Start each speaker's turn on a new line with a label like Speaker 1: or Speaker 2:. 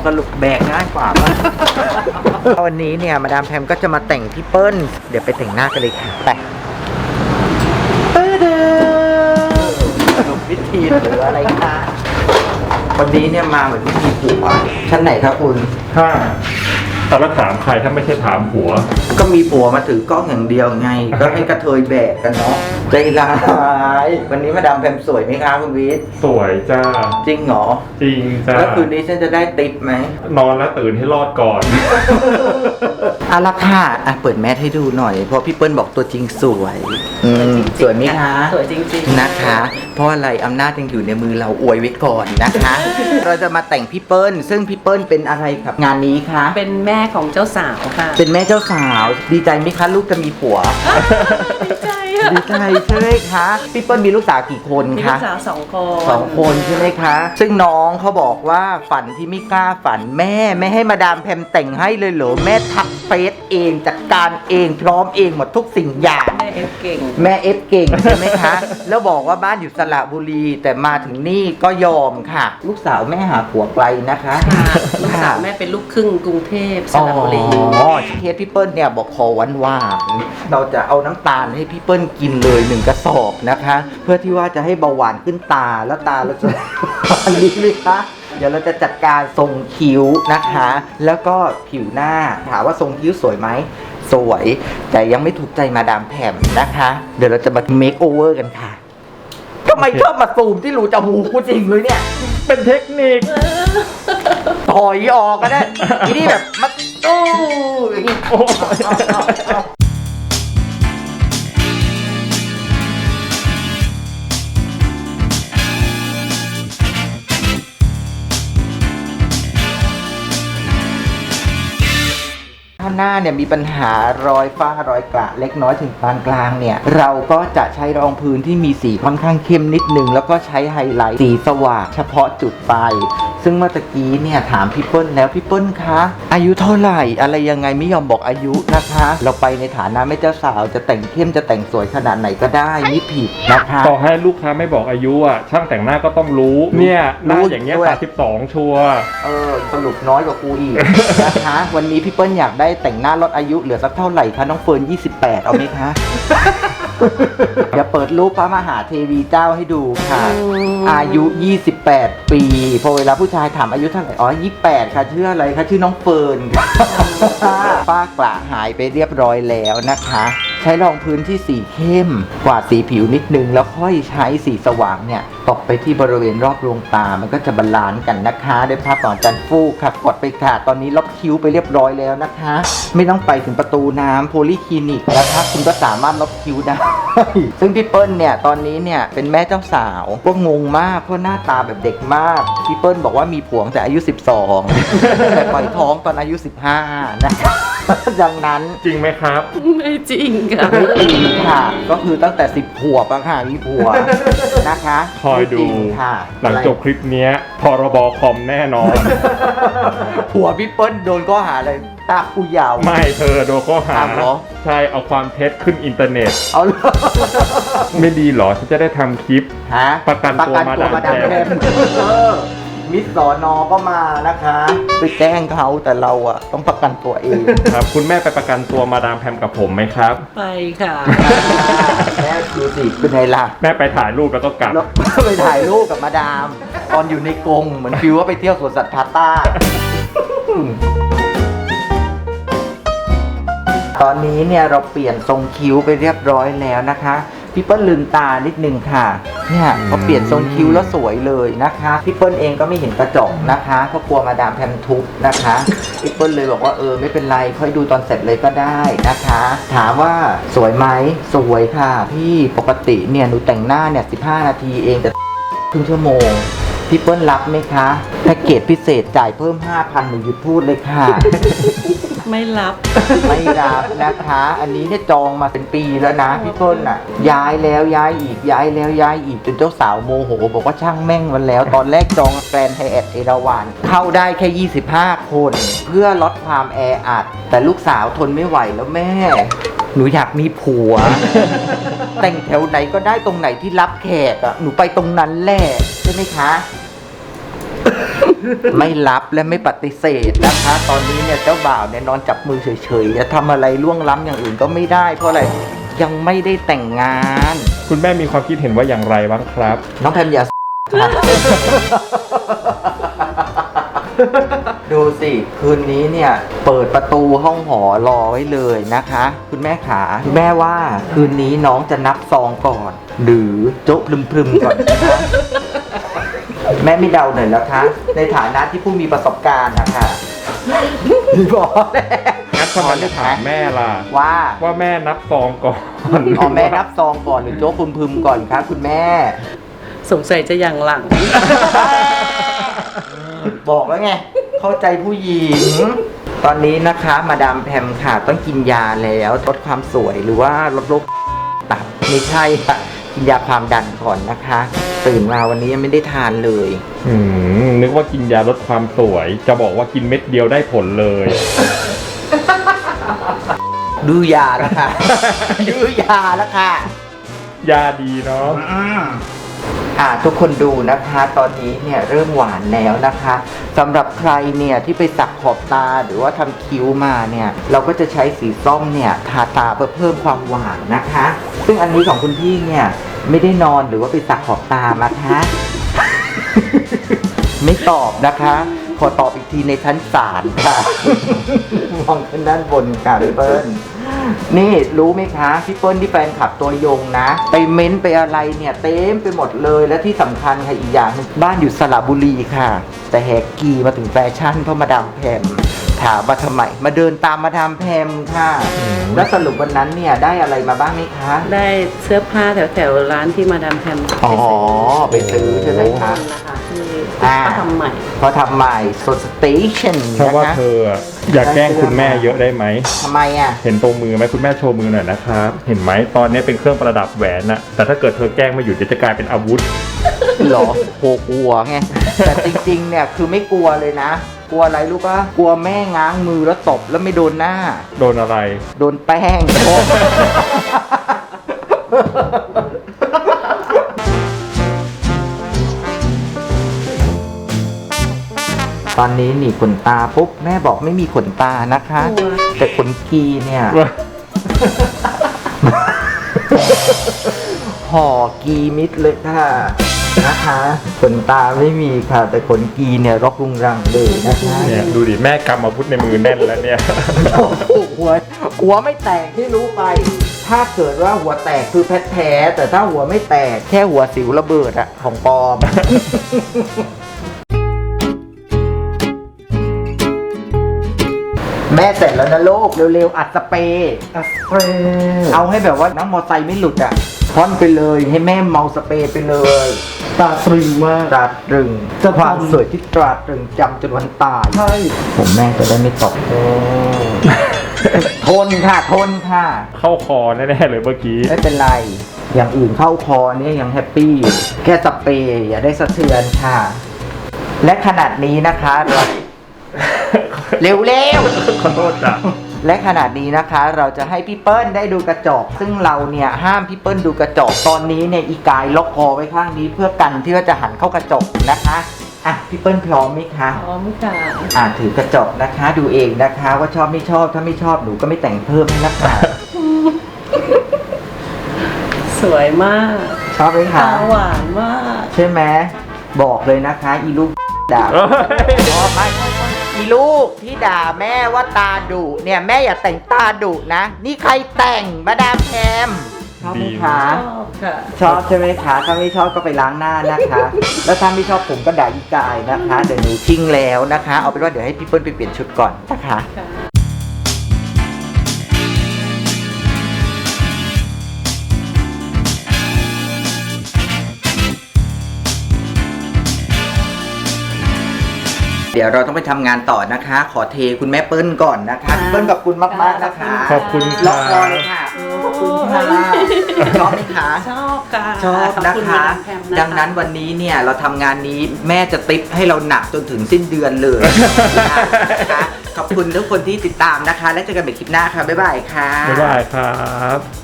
Speaker 1: สรุปแบกง่ายกว่าปะ วันนี้เนี่ยมาดามแพมก็จะมาแต่งพี่เปิ้ลเดี๋ยวไปแต่งหน้ากันเลยค่ะไปสรุปวิธีหรืออะไรคะวันนี้เนี่ยมาเหมือนวิธีผัวชั้นไหนครับคุณ
Speaker 2: ถ้าแล้วถามใครถ้าไม่ใช่ถามผัว
Speaker 1: ก็มีผัวมาถือกล้องอย่างเดียวไง ก็ให้กระเทยแบกกันเนาะใจร้ายวันนี้มาดามแพมสวยไหมคะคุณวิทย์
Speaker 2: สวยจ้า
Speaker 1: จริงเหรอ
Speaker 2: จริงจ้า
Speaker 1: แล้วคืนนี้ฉันจะได้ติ๊ปไหม
Speaker 2: นอนแล้วตื่นให้รอดก่อน
Speaker 1: เอาละค่ะเปิดแมสให้ดูหน่อยเพราะพี่เปิ้ลบอกตัวจริงสวยสวยไหมคะ
Speaker 3: สวยจริงๆ
Speaker 1: นะคะ เพราะอะไรอำนาจยังอยู่ในมือเราอวยไว้ก่อนนะคะ เราจะมาแต่งพี่เปิ้ลซึ่งพี่เปิ้ลเป็นอะไรครับงานนี้คะ
Speaker 3: เป็นแม่ของเจ้าสาวค่ะ
Speaker 1: เป็นแม่เจ้าสาวดีใจไหมคะลูกจะมีผัว
Speaker 3: ดีใจค่ะ
Speaker 1: ดีใจใช่ไหมคะพี่เปิ้ลมีลูกสาวกี่คน
Speaker 3: มีลู
Speaker 1: คะ
Speaker 3: กสาว2 คน
Speaker 1: 2 คนใช่ไหมคะ ซึ่งน้องเขาบอกว่าฝันที่ไม่กล้าฝันแม่ไม่ให้มาดามแพมแต่งให้เลยเหรอแม่ทักเฟซเองจัดการเองพร้อมเองหมดทุกสิ่งอย่าง
Speaker 3: แม่เอฟเก่ง
Speaker 1: แม่เอฟเก่งใช่ไหมคะ แล้วบอกว่าบ้านอยู่สระบุรีแต่มาถึงนี่ก็ยอมค่ะ ลูกสาวแม่หาผัวไกลนะคะ
Speaker 3: ค่ะ ลูกสาวแม่เป็นลูกครึ่งกรุงเทพสระบุรี
Speaker 1: อ๋อเคสพี่เปิ้ลเนี่ยบอกขอหวานๆเราจะเอาน้ำตาลให้พี่เปิ้ลกินเลย1 กระสอบนะคะ เพื่อที่ว่าจะให้เบาหวานขึ้นตาแล้วตาเราจะ อันนี้ไหมคะเดี๋ยวเราจะจัดการทรงคิ้วนะคะ แล้วก็ผิวหน้าถามว่าทรงคิ้วสวยไหมสวยแต่ยังไม่ถูกใจมาดามแพมนะคะ เดี๋ยวเราจะมาเมคโอเวอร์กันค่ะทำไมชอบมาซูมที่รูจมูกกูจริงเลยเนี่ย
Speaker 2: เป็นเทคนิค
Speaker 1: ถอยออกก็ได้ทีนี่แบบมาตู้อย่างนี้
Speaker 2: โอ้ย
Speaker 1: ถ้าหน้าเนี่ยมีปัญหารอยฝ้ารอยกระเล็กน้อยถึงปานกลางเนี่ยเราก็จะใช้รองพื้นที่มีสีค่อนข้างเข้มนิดนึงแล้วก็ใช้ไฮไลท์สีสว่างเฉพาะจุดไปซึ่งเมื่อตะกี้เนี่ยถามพี่เปิ้ลแล้วพี่เปิ้ลคะอายุเท่าไหร่อะไรยังไงไม่ยอมบอกอายุนะคะ เราไปในฐานะแม่เจ้าสาวจะแต่งเข้มจะแต่งสวยขนาดไหนก็ได้นี่ผิดนะคะ
Speaker 2: ต่อให้ลูกค้าไม่บอกอายุอ่ะ ช่างแต่งหน้าก็ต้องรู้ เนี่ยหน้าอย่างเงี้ย
Speaker 1: ด้วย
Speaker 2: 32ชัวร์
Speaker 1: สรุปน้อยกว่ากูอีก นะคะ วันนี้พี่เปิ้ลอยากได้แต่งหน้าลดอายุเหลือสักเท่าไหร่คะน้องเฟิร์น28 เอาไหมคะ เดี๋ยวเปิดรูปพระมหาเทวีเจ้าให้ดูค่ะ อายุ 28 ปี พอเวลาผู้ชายถามอายุเท่าไหร่อ๋อ 28 ค่ะชื่ออะไรคะชื่อน้องเฟิร์นค่ะฝ้ากระหายไปเรียบร้อยแล้วนะคะ ใช้รองพื้นที่สีเข้มกว่าดสีผิวนิดนึงแล้วค่อยใช้สีสว่างเนี่ยตกไปที่บริเวณรอบดวงตามันก็จะบาลานซ์กันนะคะด้วยภาพต่อจันฟูกค่ะกดไปค่ะตอนนี้ลบคิ้วไปเรียบร้อยแล้วนะคะ ไม่ต้องไปถึงประตูน้ำโพลีคลินิกนะคะคุณก็สามารถลบคิ้วได้ ซึ่งพี่เปิ้ลเนี่ยตอนนี้เนี่ยเป็นแม่เจ้าสาวก็งงมากเพราะหน้าตาแบบเด็กมากพี่เปิ้ลบอกว่ามีผัวตั้งแต่อายุ 12 แต่ปล่อยท้องตอนอายุ 15 นะคะ ดังนั้น
Speaker 2: จริงไหมครับ
Speaker 3: ไม่จริงค่ะ
Speaker 1: ไม่จริงค่ะ ก็คือตั้งแต่ 10 ขวบอะค่ะมีผัวนะคะ
Speaker 2: คอยดู
Speaker 1: ไม่จริงค่ะ
Speaker 2: หลังจบคลิปเนี้ยพรบคอมแน่นอน
Speaker 1: ผัวพี่เปิ้ลโดนข้อหาอะไรตาผู้ยาว
Speaker 2: ไม่เธอโดนข้อหา
Speaker 1: อ้าวเหรอ
Speaker 2: ใช่เอาความเท็จขึ้นอินเทอร์เน็ต
Speaker 1: เอาเลย
Speaker 2: ไม่ดีเหรอฉันจะได้ทำคลิป
Speaker 1: ฮะ
Speaker 2: ประกันตัวมาดามแพม
Speaker 1: มิสสอนอก็มานะคะไปแจ้งเขาแต่เราอะต้องประกันตัวเอง
Speaker 2: ครับคุณแม่ไปประกันตัวมาดามแพมกับผมไหมครับ
Speaker 3: ไปค่ะ
Speaker 1: แม่ดูสิเป็นไงล่ะ
Speaker 2: แม่ไปถ่ายรูปแล้วก็กลับ
Speaker 1: แล้ว ไปถ่ายรูปกับมาดาม ตอนอยู่ในกรงเหมือนฟิวว่าไปเที่ยวสวนสัตว์พาต้า ตอนนี้เนี่ยเราเปลี่ยนทรงคิ้วไปเรียบร้อยแล้วนะคะพี่เปิ้ลลืมตานิดนึงค่ะเนี่ยพอเปลี่ยนทรงคิ้วแล้วสวยเลยนะคะพี่เปิ้ลเองก็ไม่เห็นกระจกนะคะเพราะกลัวมาดามแพมทุบนะคะพี่เปิ้ลเลยบอกว่าไม่เป็นไรค่อยดูตอนเสร็จเลยก็ได้นะคะ ถามว่าสวยไหมสวยค่ะพี่ปกติเนี่ยหนูแต่งหน้าเนี่ย15 นาทีเองแต่ครึ่งชั่วโมงพี่เปิ้ลรับไหมคะแพ็กเกจพิเศษจ่ายเพิ่ม 5,000 หนูหยุดพูดเลยค่ะ
Speaker 3: ไม่รับ
Speaker 1: ไม่รับนะคะ อันนี้เนี่ยจองมาเป็นปีแล้วนะพี่ต้นอ่ะ ย้ายแล้วย้ายอีกย้ายแล้วย้ายอีกจนเจ้าสาวโมโหบอกว่าช่างแม่งมันแล้ว ตอนแรกจองแกรนด์ไฮแอทเอราวัณเข้าได้แค่ 25 คน เพื่อลดความแออัด แต่ลูกสาวทนไม่ไหวแล้วแม่ หนูอยากมีผัว แต่งแถวไหนก็ได้ตรงไหนที่รับแขกอ่ะหนูไปตรงนั้นแหละใช่ไหมคะไม่รับและไม่ปฏิเสธนะคะ ตอนนี้เนี่ยเจ้าบ่าวเนี่ยนอนจับมือเฉยๆจะทำอะไรล่วงล้ำอย่างอื่นก็ไม่ได้เพราะอะไรยังไม่ได้แต่งงาน
Speaker 2: คุณแม่มีความคิดเห็นว่าอย่างไรบ้างครับ
Speaker 1: น้องแพมอย่า ค่ะ ดูสิคืนนี้เนี่ยเปิดประตูห้องหอรอไว้เลยนะคะ คุณแม่ขาคุณแม่ว่าคืนนี้น้องจะนับซองก่อน หรือโจ๊ะพรึมๆก่อนนะคะแม่ไม่เดาหน่อยแล้วคะในฐานะที่ผู้มีประสบการณ์นะคะบอกแล้ว
Speaker 2: งั้นทำไมไม่ถามแม่ล่ะ
Speaker 1: ว่า
Speaker 2: แม่นับซองก่อน
Speaker 1: อ๋อแม่นับซองก่อนหรือโจ๊กพึมๆก่อนคะคุณแม่
Speaker 3: สงสัยจะอย่างหลัง
Speaker 1: บอกแล้วไง เข้าใจผู้หญิง ตอนนี้นะคะมาดามแพมค่ะต้องกินยาแล้วลดความสวยหรือว่าลดโรคตับไม่ใช่ค่ะกินยาความดันก่อนนะคะ ตื่นมาวันนี้ยังไม่ได้ทานเลย
Speaker 2: นึกว่ากินยาลดความสวย จะบอกว่ากินเม็ดเดียวได้ผลเลย
Speaker 1: ดูยาแล้วค่ะ ดูยาแล้วค่ะ
Speaker 2: ยาดีเนาะ
Speaker 1: ทุกคนดูนะคะตอนนี้เนี่ยเริ่มหวานแล้วนะคะสำหรับใครเนี่ยที่ไปสักขอบตาหรือว่าทำคิ้วมาเนี่ยเราก็จะใช้สีส้มเนี่ยทาตาเพื่อเพิ่มความหวานนะคะ ซึ่งอันนี้ของคุณพี่เนี่ยไม่ได้นอนหรือว่าไปสักขอบตามาคะ ไม่ตอบนะคะ ขอตอบอีกทีในชั้นศาลค่ะ มองขึ้นด้านบนค่ะพี่เปิ้ลนี่รู้ไหมคะพี่เปิ้ลที่แฟนคลับตัวยงนะไปเม้นไปอะไรเนี่ยเต็มไปหมดเลยและที่สำคัญค่ะอีกอย่างหนึงบ้านอยู่สระบุรีค่ะ แต่แหกกีมาถึงแฟชั่นเพราะมาดามแพมถามมาทำไมมาเดินตามมาดามแพมค่ะ แล้วสรุปวันนั้นเนี่ยได้อะไรมาบ้างไหมคะ
Speaker 3: ได้เสื้อผ้าแถวๆร้านที่มาดามแพม
Speaker 1: อ๋อไปซื้อใช่ไหมคะ
Speaker 3: นะคะที่
Speaker 1: อ่า
Speaker 3: เขาทำใหม่
Speaker 1: พอทำใหม่โซสเตชัน
Speaker 2: เพราะ
Speaker 1: นะ
Speaker 2: ว่า
Speaker 1: คะ
Speaker 2: เธออะอยากแกล้งคุณแม่เยอะได้ไหม
Speaker 1: ทำไมอ่ะ
Speaker 2: เห็นตรงมือไหมคุณแม่โชว์มือหน่อยนะครับ เห็นไหมตอนนี้เป็นเครื่องประดับแหวนน่ะ แต่ถ้าเกิดเธอแกล้งไม่หยุดเดี๋ยวจะกลายเป็นอาวุธ
Speaker 1: หรอโหกลัวไง แต่จริงๆ เนี่ยคือไม่กลัวเลยนะ กลัวอะไรรู้ปะกลัวแม่ง้างมือแล้วตบแล้วไม่โดนหน้า
Speaker 2: โดนอะไร
Speaker 1: โดนแป้ง ตอนนี้หนีขนตาปุ๊บแม่บอกไม่มีขนตานะคะ
Speaker 3: กลัว
Speaker 1: แต่ขนกีเนี่ย ห่อกีมิดเลยค่ะนะคะขนตาไม่มีค่ะ แต่ขนกีเนี่ยรกรุงรังเลยนะคะ
Speaker 2: เนี่ยดูดิแม่กำอาวุธในมือแน่นแล้วเนี่ย
Speaker 1: หัวไม่แตกที่รู้ไป ถ้าเกิดว่าหัวแตกคือแท้ๆแต่ถ้าหัวไม่แตกแค่หัวสิวระเบิดอะของปลอม แม่เสร็จแล้วนะลูกเร็วๆอัดสเปรย์เอาให้แบบว่าน้ำมอไซค์ไม่หลุดอ่ะพ่อนไปเลยให้แม่เมาสเปรย์ไปเลยตราตรึงมากตราตรึงความสวยที่ตราตรึงจำจนวันตายใช่ผมแม่จะได้ไม่ตก ทนค่ะทนค่ะ
Speaker 2: เข้าคอแน่ๆเลยเมื่อกี้
Speaker 1: ไม่เป็นไร อย่างอื่นเข้าคอเนี่ยยังแฮปปี้อยู่แค่สเปรย์อย่าได้สะเทือนค่ะ และขนาดนี้นะคะเร็วๆ
Speaker 2: ขอโทษจ้ะ
Speaker 1: และขนาดนี้นะคะเราจะให้พี่เปิ้ลได้ดูกระจกซึ่งเราเนี่ยห้ามพี่เปิ้ลดูกระจกตอนนี้เนี่ยอีกายล็อกคอไว้ข้างนี้เพื่อกันที่ว่าจะหันเข้ากระจกนะคะอ่ะพี่เปิ้ลพร้อมไหมคะ
Speaker 3: พร้อมค่ะ
Speaker 1: ถือกระจกนะคะดูเองนะคะว่าชอบไม่ชอบถ้าไม่ชอบหนูก็ไม่แต่งเพิ่มให้นะคะ
Speaker 3: สวยมาก
Speaker 1: ชอบไหมคะ
Speaker 3: ตาหวานมาก
Speaker 1: ใช่ไหมบอกเลยนะคะอีลูกด่า
Speaker 2: เอ้ย
Speaker 1: อ๋อไม่อีลูกที่ด่าแม่ว่าตาดุเนี่ยแม่อย่าแต่งตาดุนะ นี่ใครแต่งมาดามแพมชอบไหมคะ
Speaker 3: ชอบค่ะ
Speaker 1: ชอบใช่ไหมคะถ้าไม่ชอบก็ไปล้างหน้านะคะ แล้วถ้าไม่ชอบผมก็ด่าอีกายนะคะเดี๋ยวหนูทิ้งแล้วนะคะ เอาเป็นว่าเดี๋ยวให้พี่เปิ้ลไปเปลี่ยนชุดก่อนนะคะ
Speaker 3: ค่ะ
Speaker 1: เดี๋ยวเราต้องไปทำงานต่อนะคะ ขอเทคุณแม่เปิ้ลก่อนนะคะพี่เปิ้ลขอบคุณมากๆนะคะ
Speaker 2: ขอบคุณ
Speaker 1: ล็
Speaker 2: ค่ะ
Speaker 1: อกคอเลยค่ะขอบคุณค่ะชอบไหมคะ
Speaker 3: ชอบค่ะ
Speaker 1: ชอบ
Speaker 3: ข
Speaker 1: นะ
Speaker 3: ณ
Speaker 1: คะ
Speaker 3: มาดามแพมนะคะ
Speaker 1: ดังนั้นวันนี้เนี่ยเราทำงานนี้แม่จะติปให้เราหนักจนถึงสิ้นเดือนเลยนะคะขอบคุณทุกคนที่ติดตามนะคะ และเจอกันใหม่คลิปหน้าค่ะบ๊ายบายค่ะ
Speaker 2: บ๊ายบายครับ